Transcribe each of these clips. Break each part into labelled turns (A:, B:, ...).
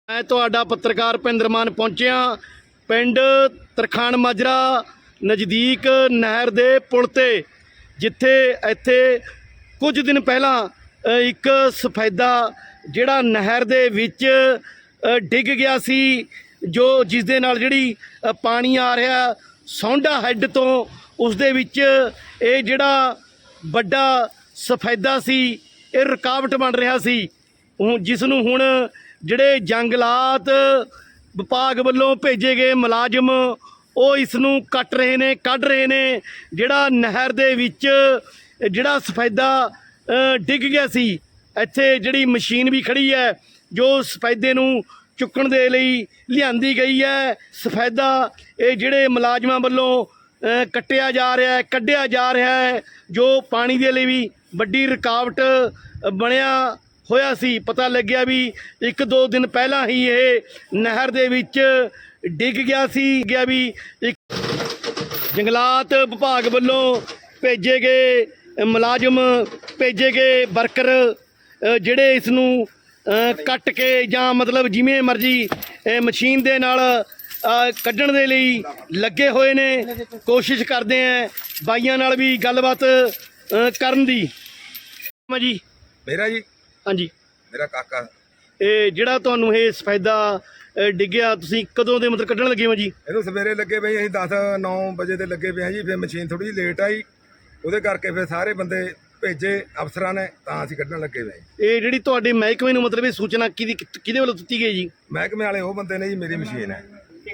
A: मैं तुहाडा पत्रकार भुपिंदर मान पहुंचिया पिंड तरखान माजरा नज़दीक नहर दे पुल ते जिथे इत्थे कुछ दिन पहला एक सफेदा जिहड़ा नहर दे विच डिग गया सी जो जिस दे नाल जिहड़ी पानी आ रहा सौंडा हैड तो उस दे विच ये जिहड़ा बड़ा सफेदा सी ये रुकावट बन रहा सी जिसनूं हुण जिहड़े जंगलात विभाग वल्लों भेजे गए मुलाजम ਉਹ इस नूं कट रहे ने कढ़ रहे ने जिहड़ा नहर दे विच जिहड़ा सफेदा डिग गया सी ਇੱਥੇ ਜਿਹੜੀ मशीन भी खड़ी है जो सफेदे नूं चुकण दे लई लिआंदी गई है। सफेदा ये जिहड़े मुलाजमां वल्लों कट्टिया जा रहा है कढ़िया जा रहा है जो पानी दे लई भी वड्डी रुकावट बनिया होया सी। पता लग्या भी एक दो दिन पहला ही ये नहर दे विच डिग गया सी भी एक जंगलात विभाग वल्लों भेजे गए मुलाजम भेजे गए वर्कर जिहड़े इस नूं कट के जां मतलब जिवें मर्जी मशीन दे नाल कड्ढण दे लई लगे हुए ने कोशिश करते हैं बाईयां नाल भी गलबात करन दी। जी
B: मेरा जी
A: हाँ जी
B: मेरा काका
A: ਇਹ ਜਿਹੜਾ ਤੁਹਾਨੂੰ ਇਹ ਸਫੈਦਾ ਡਿੱਗਿਆ ਤੁਸੀਂ ਕਦੋਂ ਦੇ ਮਤਲਬ ਕੱਢਣ ਲੱਗੇ ਹੋ ਜੀ?
B: ਇਹਨੂੰ ਸਵੇਰੇ ਲੱਗੇ ਪਏ ਅਸੀਂ 10-9 ਵਜੇ ਤੇ ਲੱਗੇ ਪਏ ਜੀ। ਫਿਰ ਮਸ਼ੀਨ ਥੋੜੀ ਜਿਹੀ ਲੇਟ ਆਈ ਉਹਦੇ ਕਰਕੇ ਫਿਰ ਸਾਰੇ ਬੰਦੇ ਭੇਜੇ ਅਫਸਰਾਂ ਨੇ ਤਾਂ ਅਸੀਂ ਕੱਢਣ ਲੱਗੇ ਪਏ।
A: ਇਹ ਜਿਹੜੀ ਤੁਹਾਡੇ ਮਹਿਕਮੇ ਨੂੰ ਮਤਲਬ ਇਹ ਸੂਚਨਾ ਕਿਹਦੇ ਵੱਲੋਂ ਦਿੱਤੀ ਗਈ ਜੀ?
B: ਮਹਿਕਮੇ ਵਾਲੇ ਉਹ ਬੰਦੇ ਨੇ ਜੀ, ਮੇਰੀ ਮਸ਼ੀਨ ਹੈ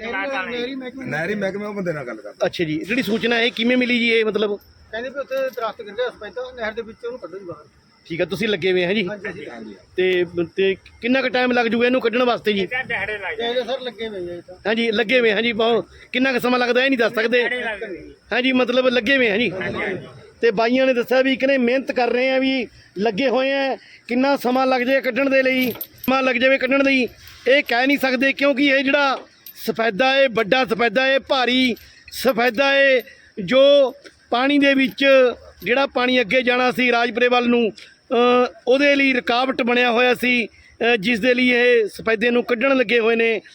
B: ਨਹਿਰੀ ਮਹਿਕਮੇ ਉਹ ਬੰਦੇ ਨਾਲ ਗੱਲ ਕਰਦਾ।
A: ਅੱਛਾ ਜੀ, ਜਿਹੜੀ ਸੂਚਨਾ ਇਹ ਕਿਵੇਂ ਮਿਲੀ ਜੀ? ਇਹ ਮਤਲਬ
C: ਕਹਿੰਦੇ ਵੀ ਉੱਥੇ ਦਰਖਤ ਗਿਰ ਗਿਆ ਸਪੈਦਾ ਨਹਿਰ ਦੇ ਵਿੱਚ ਉਹਨੂੰ ਕੱਢੋ ਜੀ ਬਾਹਰ।
A: ਠੀਕ ਹੈ, ਤੁਸੀਂ ਲੱਗੇ ਹੋਏ ਹੈ ਜੀ
C: ਹਾਂਜੀ
A: ਤੇ ਕਿੰਨਾ ਕੁ ਟਾਈਮ ਲੱਗ ਜੂਗਾ ਇਹਨੂੰ ਕੱਢਣ ਵਾਸਤੇ ਜੀ?
C: ਕਹਿੰਦੇ ਸਰ ਲੱਗੇ ਹੋਏ ਆ ਇਹ ਤਾਂ।
A: ਹਾਂਜੀ ਲੱਗੇ ਹੋਏ ਹਾਂ ਜੀ। ਬਹੁਤ ਕਿੰਨਾ ਕੁ ਸਮਾਂ ਲੱਗਦਾ ਇਹ ਨਹੀਂ ਦੱਸ ਸਕਦੇ? ਹਾਂਜੀ ਮਤਲਬ ਲੱਗੇ ਹੋਏ ਹਾਂ ਜੀ। ਤੇ ਬਾਈਆਂ ਨੇ ਦੱਸਿਆ ਵੀ ਕਿਨੇ ਮਿਹਨਤ ਕਰ ਰਹੇ ਆ ਵੀ ਲੱਗੇ ਹੋਏ ਆ। ਕਿੰਨਾ ਸਮਾਂ ਲੱਗ ਜਾਏ ਕੱਢਣ ਦੇ ਲਈ, ਸਮਾਂ ਲੱਗ ਜਾਵੇ ਕੱਢਣ ਲਈ ਇਹ ਕਹਿ ਨਹੀਂ ਸਕਦੇ ਕਿਉਂਕਿ ਇਹ ਜਿਹੜਾ ਸਫੈਦਾ ਹੈ ਵੱਡਾ ਸਫੈਦਾ ਹੈ ਭਾਰੀ ਸਫੈਦਾ ਹੈ ਜੋ ਪਾਣੀ ਦੇ ਵਿੱਚ ਜਿਹੜਾ ਪਾਣੀ ਅੱਗੇ ਜਾਣਾ ਸੀ ਰਾਜਪੁਰੇ ਵੱਲ ਨੂੰ ਉਹਦੇ ਲਈ ਰੁਕਾਵਟ ਬਣਿਆ ਹੋਇਆ ਸੀ ਜਿਸ ਦੇ ਲਈ ਇਹ ਸਫੈਦੇ ਨੂੰ ਕੱਢਣ ਲੱਗੇ ਹੋਏ ਨੇ।